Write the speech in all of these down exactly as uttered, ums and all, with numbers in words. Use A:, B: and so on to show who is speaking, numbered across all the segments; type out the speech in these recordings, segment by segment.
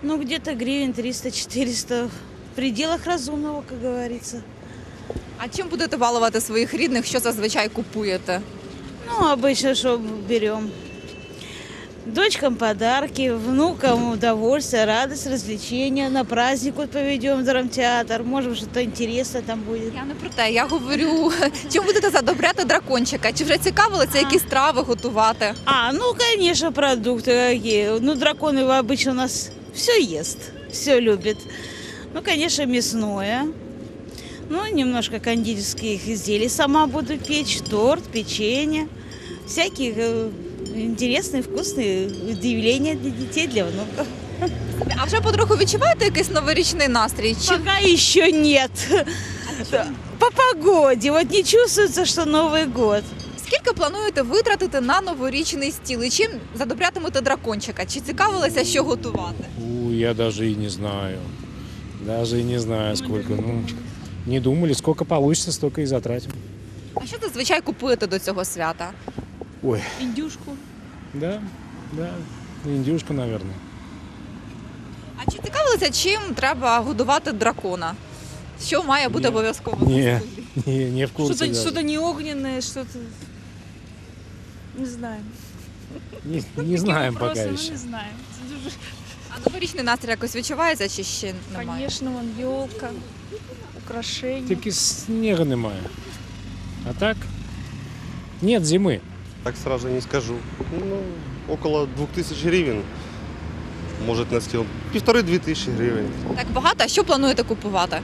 A: Ну, где-то гривен триста-четыреста. В пределах разумного, как говорится.
B: А чим будете балувати своїх рідних? Що зазвичай купуєте?
A: Ну, обычно что берем? Дочкам подарки, внукам удовольствие, радость, развлечения. На праздник вот поведем в драмтеатр. Может, что-то интересное там будет.
B: Я не про те, я говорю, чим будете задобряти дракончика? Чи вже цікавилися, які страви готувати?
A: А, ну, конечно, продукты какие. Ну, драконы обычно у нас все ест, все любит. Ну, конечно, мясное. Ну, немножко кондитерских изделий сама буду печь. Торт, печенье. Всякие э, интересные, вкусные удивления для детей, для внуков.
B: А вже потроху відчуваєте якийсь новорічний настрій? Чи
A: Пока еще нет. По погоде. Вот не чувствуется, что Новый год.
B: скільки плануєте витратити на новорічний стіл? І чим задобрятимете дракончика? Чи цікавилися, що готувати?
C: У, я даже и не знаю. Даже и не знаю, сколько. Ну, не думали, сколько получится, столько и затратим.
B: А що зазвичай купуєте до цього свята?
C: Ой,
A: Индюшку.
C: да, да, индюшка, наверное.
B: А чи цікавилися, чим треба годувати дракона? Що має бути
C: Ні.
B: обов'язково? на
C: Не,
B: столі?
C: не, не в курсе
D: Что-то,
C: даже.
D: что-то не огненное, что-то... Не знаю.
C: Не, не знаем пока
D: Вопросы, ну,
C: еще.
D: не знаю.
B: А новорічний настрій якось відчувається чи ще немає?
D: Конечно, вон елка, украшения.
C: Тільки снега немає. А так, нет зимы.
E: Так сразу не скажу. Ну, около двух тысяч гривен может на стіл. Півтори-дві тисячі гривень.
B: Так багато, а що плануєте купувати?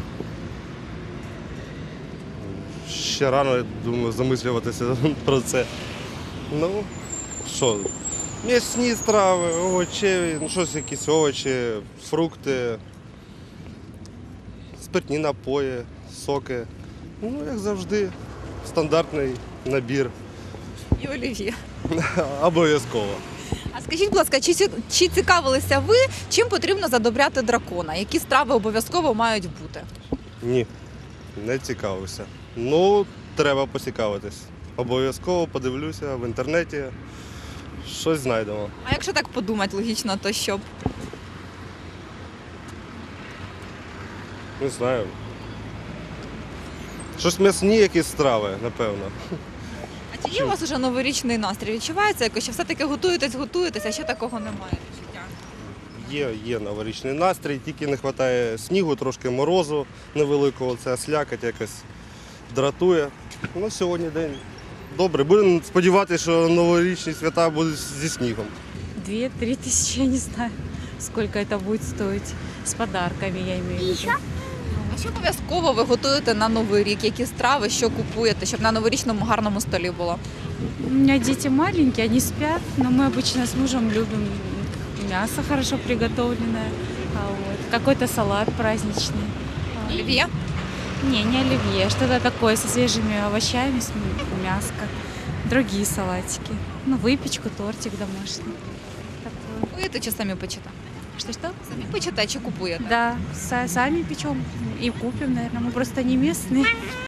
E: Ще рано, я думаю, замислюватися про це. Ну, що, м'ясні страви, овочеві, ну щось якісь овочі, фрукти, спиртні напої, соки. Ну, як завжди, стандартний набір.
B: І олів'є.
E: Обов'язково.
B: А скажіть, будь ласка, чи, ці- чи цікавилися ви, чим потрібно задобряти дракона? Які страви обов'язково мають бути?
E: Ні, не цікавився. Ну, треба поцікавитись. Обов'язково подивлюся в інтернеті, щось знайдемо.
B: А якщо так подумати логічно, то що б?
E: Не знаю. Щось м'ясні якісь страви, напевно.
B: А чи є у вас вже новорічний настрій? Відчувається якось, що все-таки готуєтесь, готуєтесь, а ще такого немає відчуття?
E: Є, є новорічний настрій, тільки не вистачає снігу, трошки морозу невеликого, це слякоть якось дратує. Ну, сьогодні день добрий. Будемо сподіватися, що новорічні свята будуть зі снігом.
F: Две-три тысячи, я не знаю, сколько это будет стоить. С подарками, я имею в виду.
B: А що обов'язково ви готуєте на Новий рік? Які страви, що купуєте, щоб на новорічному гарному столі було?
F: У меня дети маленькие, они спят, но мы обычно с мужем любим мясо хорошо приготовленное, а вот, какой-то салат праздничный. А,
B: Олів'є?
F: Не, не оливье, что-то такое со свежими овощами, с м- мяско, другие салатики. Ну, выпечку, тортик домашний. Такое.
B: Купуєте чи самі печете?
F: Что-что?
B: Самі печете чи купуєте?
F: Да, са- сами печем и купим, наверное. Мы просто не местные.